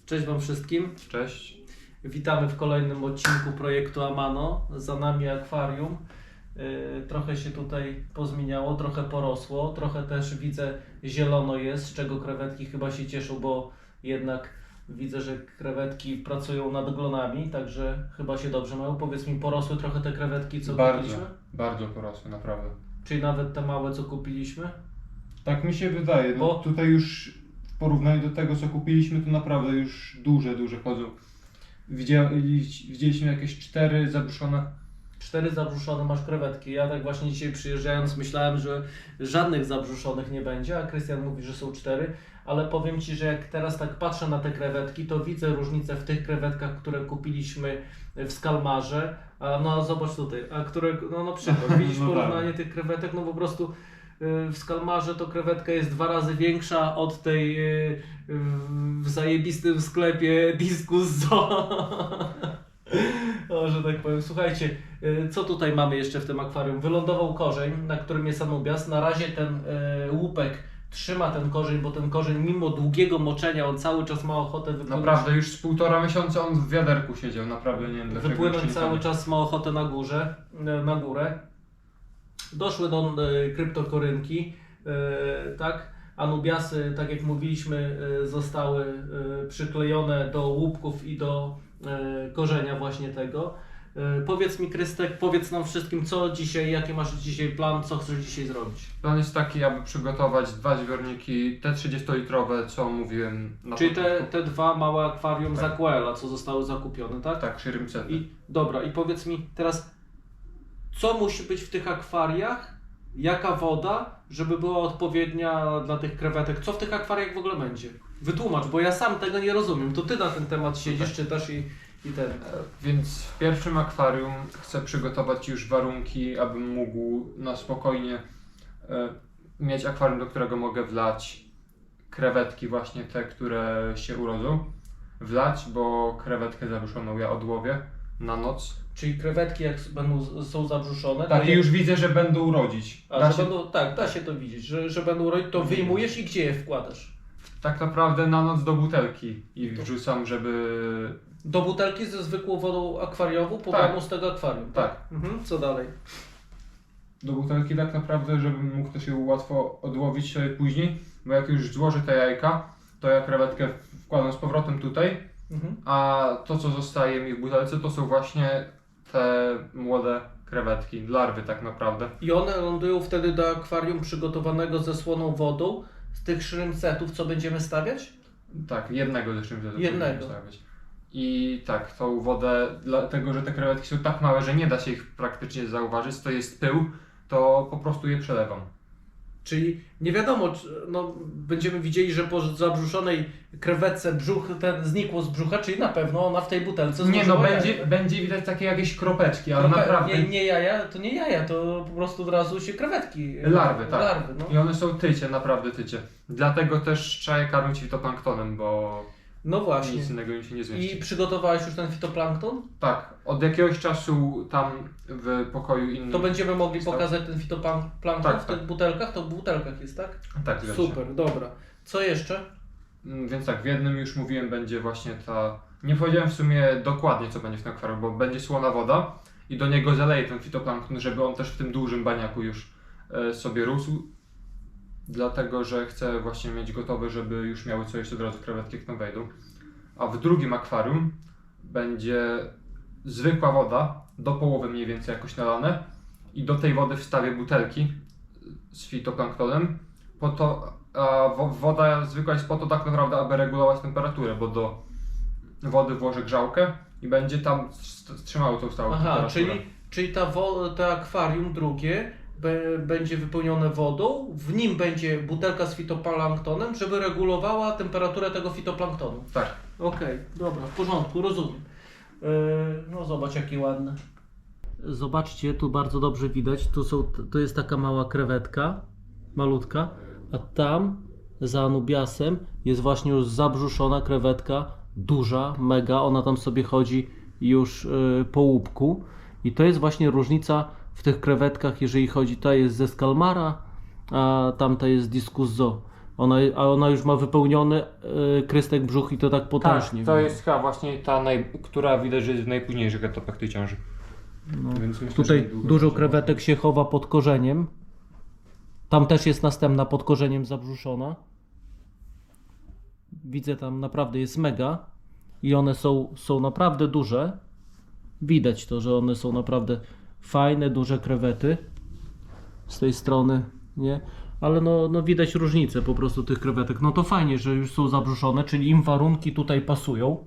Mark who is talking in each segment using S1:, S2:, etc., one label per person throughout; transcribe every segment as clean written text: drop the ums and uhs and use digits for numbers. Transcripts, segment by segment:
S1: Cześć Wam wszystkim.
S2: Cześć.
S1: Witamy w kolejnym odcinku projektu Amano. Za nami akwarium. Trochę się tutaj pozmieniało, trochę porosło, trochę też widzę zielono jest, z czego krewetki chyba się cieszą, bo jednak widzę, że krewetki pracują nad glonami, także chyba się dobrze mają. Powiedz mi, porosły trochę te krewetki, co kupiliśmy?
S2: Bardzo porosły, naprawdę.
S1: Czyli nawet te małe, co kupiliśmy?
S2: Tak mi się wydaje,
S1: Bo-
S2: tutaj już w porównaniu do tego, co kupiliśmy, to naprawdę już duże chodzą. Widzieliśmy jakieś 4 zabuszone.
S1: 4 zabrzuszone masz krewetki. Ja tak właśnie dzisiaj przyjeżdżając myślałem, że żadnych zabrzuszonych nie będzie, a Krystian mówi, że są 4, ale powiem Ci, że jak teraz tak patrzę na te krewetki, to widzę różnicę w tych krewetkach, które kupiliśmy w Skalmarze, a no zobacz tutaj, a które, no na przykład, widzisz
S2: No tak.
S1: porównanie tych krewetek, no po prostu w Skalmarze to krewetka jest 2 razy większa od tej w zajebistym sklepie Diskus Zoo. O, że tak powiem. Słuchajcie, co tutaj mamy jeszcze w tym akwarium? Wylądował korzeń, na którym jest anubias. Na razie ten łupek trzyma ten korzeń, bo ten korzeń mimo długiego moczenia, on cały czas ma ochotę wypłynąć.
S2: Naprawdę, już z 1,5 miesiąca on w wiaderku siedział, naprawdę nie wiem dlaczego.
S1: Wypłynąć
S2: jeszcze nie
S1: cały
S2: tam-
S1: czas ma ochotę na górę. Doszły do kryptokorynki, tak? Anubiasy, tak jak mówiliśmy, zostały przyklejone do łupków i do korzenia właśnie tego. Powiedz mi, Krystek, powiedz nam wszystkim, co dzisiaj, jaki masz dzisiaj plan, co chcesz dzisiaj zrobić?
S2: Plan jest taki, aby przygotować 2 zbiorniki, te 30-litrowe, co mówiłem na
S1: Czyli
S2: początku.
S1: te 2 małe akwarium z
S2: Tak.
S1: Aquela, co zostały zakupione, tak?
S2: Tak, Shrimpsety.
S1: I dobra, i powiedz mi teraz, co musi być w tych akwariach, jaka woda, żeby była odpowiednia dla tych krewetek, co w tych akwariach w ogóle będzie? Wytłumacz, bo ja sam tego nie rozumiem, to Ty na ten temat siedzisz, czytasz i ten.
S2: Więc w pierwszym akwarium chcę przygotować już warunki, abym mógł na spokojnie mieć akwarium, do którego mogę wlać krewetki, właśnie te, które się urodzą. Wlać, bo krewetkę zabuszoną ja odłowię na noc.
S1: Czyli krewetki jak są zabrzuszone, to
S2: Tak, i
S1: jak,
S2: już widzę, że będą urodzić.
S1: a, że będą, tak, da się to widzieć, że będą rodzić, to wyjmujesz i gdzie je wkładasz?
S2: Tak naprawdę na noc do butelki i wrzucam, żeby...
S1: Do butelki ze zwykłą wodą akwariową, pobraną z tego akwarium.
S2: Tak.
S1: Mhm. Co dalej?
S2: Do butelki tak naprawdę, żebym mógł też ją łatwo odłowić sobie później, bo jak już złożę te jajka, to ja krewetkę wkładam z powrotem tutaj,
S1: Mhm.
S2: a to co zostaje mi w butelce to są właśnie te młode krewetki, larwy tak naprawdę.
S1: I one lądują wtedy do akwarium przygotowanego ze słoną wodą z tych shrimpsetów, co będziemy stawiać?
S2: Tak, jednego zresztą
S1: Jednego.
S2: stawiać. I tak, tą wodę, dlatego że te krewetki są tak małe, że nie da się ich praktycznie zauważyć, to jest pył, to po prostu je przelewam.
S1: Czyli nie wiadomo, no, będziemy widzieli, że po zabrzuszonej krewetce brzuch ten znikło z brzucha, czyli na pewno ona w tej butelce
S2: Nie no,
S1: złożyła jaja.
S2: będzie widać takie jakieś kropeczki, ale naprawdę...
S1: Nie jaja, to po prostu od razu się krewetki.
S2: Larwy, tak.
S1: Larwy, no.
S2: I one są tycie, naprawdę tycie. Dlatego też trzeba je karmić fitoplanktonem, bo
S1: No właśnie.
S2: nic innego im się nie zmieści.
S1: I przygotowałeś już ten fitoplankton?
S2: Tak, od jakiegoś czasu tam w pokoju innym...
S1: To będziemy mogli
S2: Stał.
S1: pokazać ten fitoplankton
S2: Tak,
S1: w tych
S2: tak.
S1: butelkach? To w butelkach jest, tak?
S2: Tak, zgadza się.
S1: Super, dobra. Co jeszcze?
S2: Więc tak, w jednym już mówiłem, będzie właśnie ta... Nie powiedziałem w sumie dokładnie, co będzie w tym akwarium, bo będzie słona woda i do niego zaleję ten fitoplankton, żeby on też w tym dużym baniaku już sobie rósł. Dlatego, że chcę właśnie mieć gotowe, żeby już miały co jeść od razu krewetki, jak tam wejdą. A w drugim akwarium będzie zwykła woda, do połowy mniej więcej jakoś nalane i do tej wody wstawię butelki z fitoplanktonem. Po to, a woda zwykła jest po to tak naprawdę, aby regulować temperaturę, bo do wody włożę grzałkę i będzie tam trzymało tą stałą
S1: Aha,
S2: temperaturę.
S1: czyli to akwarium drugie będzie wypełnione wodą, w nim będzie butelka z fitoplanktonem, żeby regulowała temperaturę tego fitoplanktonu.
S2: Tak.
S1: Okej, dobra, w porządku, rozumiem. No zobacz jakie ładne. Zobaczcie, tu bardzo dobrze widać, tu jest taka mała krewetka, malutka, a tam za anubiasem jest właśnie już zabrzuszona krewetka, duża, mega, ona tam sobie chodzi już po łupku i to jest właśnie różnica w tych krewetkach, jeżeli chodzi, ta jest ze Skalmara, a tamta jest z Diskus Zoo. A ona już ma wypełniony krystek brzuch i to tak potężnie.
S2: to jest chyba właśnie ta, która widać, że jest w najpóźniejszych etapach tej ciąży.
S1: No.
S2: Więc myślę,
S1: Tutaj
S2: że niedługo
S1: dużo
S2: będzie
S1: krewetek się chowa pod korzeniem. Tam też jest następna pod korzeniem zabrzuszona. Widzę, tam naprawdę jest mega. I one są naprawdę duże. Widać to, że one są naprawdę fajne, duże krewety. Z tej strony, nie? Ale no widać różnicę po prostu tych krewetek. No to fajnie, że już są zabrzuszone, czyli im warunki tutaj pasują.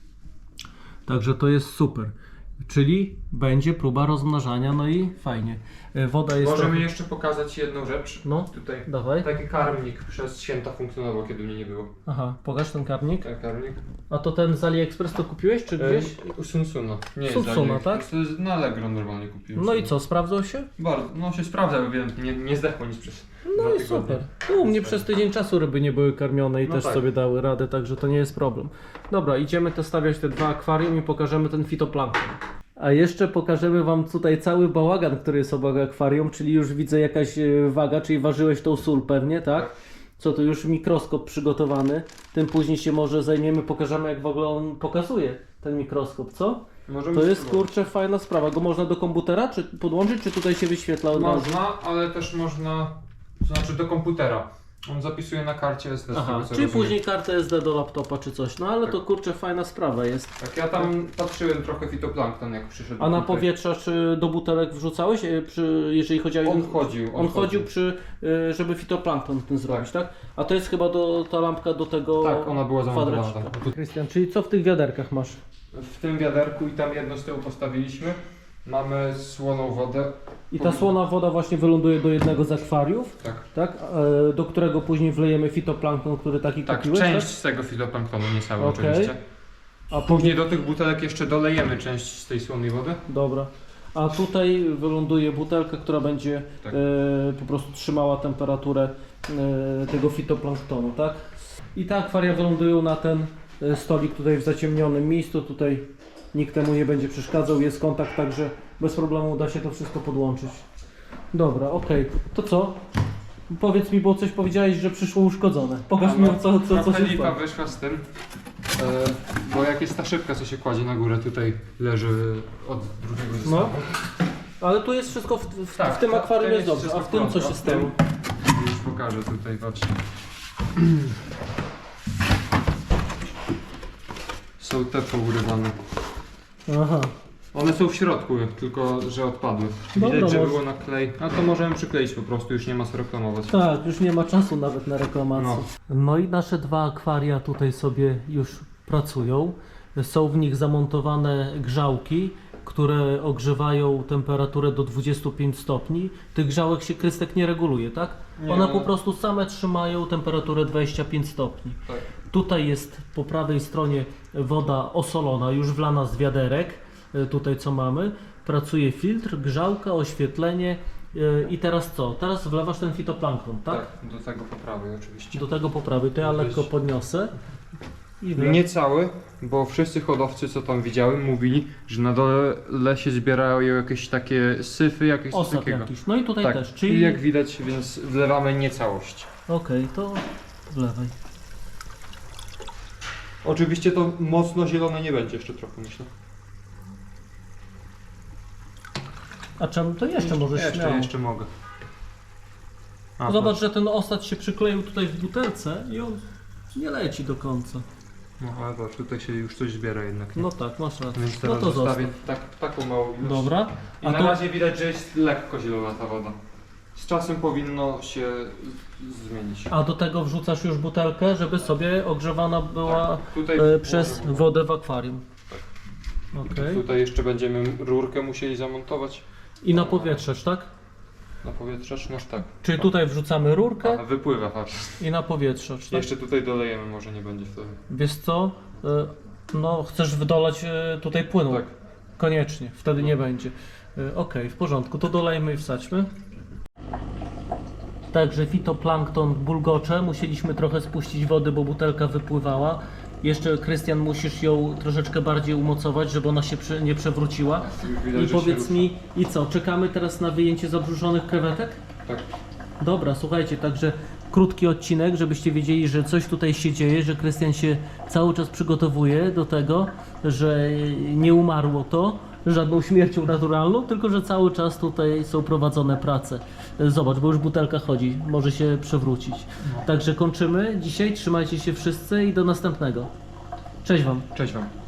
S1: Także to jest super. Czyli będzie próba rozmnażania, no i fajnie. Woda jest
S2: Możemy
S1: trochę...
S2: jeszcze pokazać jedną rzecz.
S1: No,
S2: Tutaj
S1: dawaj.
S2: taki karmnik przez święta funkcjonował, kiedy mnie nie było.
S1: Aha, pokaż ten karmnik.
S2: Ten karmnik.
S1: A to ten z AliExpress to kupiłeś, czy gdzieś?
S2: U Sunsuna. Nie jest
S1: Sunsuna,
S2: Alien,
S1: tak?
S2: To jest na Allegro normalnie kupiłem.
S1: No i co, sprawdzał się?
S2: Bardzo, no się sprawdza, bo wiem, nie zdechło nic przez
S1: No
S2: 2
S1: i
S2: tygodnie.
S1: super. Tu u mnie przez tydzień czasu ryby nie były karmione i
S2: No
S1: też
S2: tak.
S1: sobie dały radę, także to nie jest problem. Dobra, idziemy to stawiać te 2 akwarium i pokażemy ten fitoplankton. A jeszcze pokażemy Wam tutaj cały bałagan, który jest obok akwarium, czyli już widzę jakaś waga, czyli ważyłeś tą sól pewnie, tak?
S2: Tak.
S1: Co tu już mikroskop przygotowany, tym później się może zajmiemy, pokażemy jak w ogóle on pokazuje ten mikroskop, co?
S2: Możemy
S1: To jest
S2: spróbować.
S1: kurczę fajna sprawa, go można do komputera czy podłączyć, czy tutaj się wyświetla od razu?
S2: Można, ale też można, to znaczy do komputera. On zapisuje na karcie SD. z
S1: Aha,
S2: tego, co
S1: czyli
S2: rozumiem.
S1: później kartę SD do laptopa czy coś, no ale
S2: Tak.
S1: to kurczę fajna sprawa jest.
S2: Tak, ja tam patrzyłem trochę fitoplankton, jak przyszedł.
S1: A na
S2: tutaj.
S1: powietrza czy do butelek wrzucałeś, jeżeli chodzi o...
S2: On chodził.
S1: On chodził przy, żeby fitoplankton ten zrobić, tak? A to jest chyba ta lampka do tego
S2: Tak, ona była zamontowana
S1: kwadracika.
S2: tam.
S1: Krystian, czyli co w tych wiaderkach masz?
S2: W tym wiaderku i tam jedno z tyłu postawiliśmy. Mamy słoną wodę.
S1: I ta słona woda właśnie wyląduje do jednego z akwariów,
S2: Tak.
S1: tak? Do którego później wlejemy fitoplankton, który taki
S2: Tak,
S1: kupiłeś,
S2: część z tego fitoplanktonu, nie cały
S1: Okej.
S2: oczywiście.
S1: A
S2: Później do tych butelek jeszcze dolejemy część z tej słonej wody.
S1: Dobra. A tutaj wyląduje butelka, która będzie
S2: Tak.
S1: po prostu trzymała temperaturę tego fitoplanktonu, tak? I te akwaria wylądują na ten stolik tutaj w zaciemnionym miejscu. Tutaj nikt temu nie będzie przeszkadzał, jest kontakt, także bez problemu da się to wszystko podłączyć. Dobra, okej. To co? Powiedz mi, bo coś powiedziałeś, że przyszło uszkodzone. Pokaż mi, co
S2: Trochę
S1: się
S2: lipa
S1: stało.
S2: wyszła z tym. Bo jak jest ta szybka, co się kładzie na górę, tutaj leży od drugiego zestawu.
S1: No. Ale tu jest wszystko
S2: Tak,
S1: w tym
S2: to-
S1: akwarium
S2: to
S1: jest
S2: jest
S1: dobrze, a w
S2: wszystko
S1: tym co się
S2: w tym-
S1: stało?
S2: Już pokażę tutaj, patrzcie. Są te pourywane.
S1: Aha.
S2: One są w środku, tylko że odpadły.
S1: Dobra,
S2: Widać, że
S1: może-
S2: było na klej. A to możemy przykleić po prostu, już nie ma co reklamować.
S1: Tak, już nie ma czasu nawet na reklamację. No i nasze 2 akwaria tutaj sobie już pracują. Są w nich zamontowane grzałki, które ogrzewają temperaturę do 25 stopni. Tych grzałek się krystek nie reguluje, tak?
S2: Nie,
S1: One
S2: one-
S1: po prostu same trzymają temperaturę 25 stopni.
S2: Tak.
S1: Tutaj jest po prawej stronie woda osolona, już wlana z wiaderek. Tutaj co mamy. Pracuje filtr, grzałka, oświetlenie. I teraz co? Teraz wlewasz ten fitoplankton, tak?
S2: Tak, do tego poprawy oczywiście.
S1: Do tego poprawy. To ja
S2: Weź.
S1: lekko podniosę. I wlewam.
S2: Nie cały, bo wszyscy hodowcy, co tam widziałem, mówili, że na dole się zbierają jakieś takie syfy, jakieś coś
S1: Osad
S2: takiego.
S1: jakiś. No i tutaj
S2: Tak,
S1: też.
S2: i
S1: Czyli
S2: jak widać, więc wlewamy nie całość.
S1: okej, to wlewaj.
S2: Oczywiście to mocno zielone nie będzie jeszcze trochę, myślę.
S1: A czemu to jeszcze możesz śmiało?
S2: Jeszcze mogę. A,
S1: Zobacz, że ten osad się przykleił tutaj w butelce i on nie leci do końca.
S2: No ale zobacz, tutaj się już coś zbiera jednak. Nie?
S1: No tak, masz rację.
S2: Więc
S1: No
S2: teraz
S1: to
S2: zostawię
S1: zostaw.
S2: taką małą ilość.
S1: Dobra.
S2: I
S1: A
S2: na
S1: to
S2: razie widać, że jest lekko zielona ta woda. Z czasem powinno się zmienić.
S1: a do tego wrzucasz już butelkę, żeby sobie ogrzewana była
S2: Tak, tutaj
S1: przez wodę w akwarium. Okej.
S2: Tutaj jeszcze będziemy rurkę musieli zamontować.
S1: I na powietrzacz, tak?
S2: Na powietrzacz, no tak.
S1: Czyli tutaj wrzucamy rurkę
S2: A, wypływa, patrz.
S1: i na powietrzacz, tak?
S2: Jeszcze tutaj dolejemy, może nie będzie wtedy.
S1: Wiesz co? No chcesz wydolać tutaj płynu.
S2: Tak.
S1: Koniecznie, wtedy nie będzie. Okej, w porządku, to dolejmy i wsadźmy. Także fitoplankton bulgocze, musieliśmy trochę spuścić wody, bo butelka wypływała. Jeszcze, Krystian, musisz ją troszeczkę bardziej umocować, żeby ona się nie przewróciła.
S2: Już widać,
S1: I
S2: że się
S1: powiedz
S2: rusza.
S1: mi, i co, czekamy teraz na wyjęcie zabrzuszonych krewetek?
S2: Tak.
S1: Dobra, słuchajcie, także krótki odcinek, żebyście wiedzieli, że coś tutaj się dzieje, że Krystian się cały czas przygotowuje do tego, że nie umarło to żadną śmiercią naturalną, tylko że cały czas tutaj są prowadzone prace. Zobacz, bo już butelka chodzi, może się przewrócić. Także kończymy dzisiaj, trzymajcie się wszyscy i do następnego. Cześć Wam.
S2: Cześć Wam.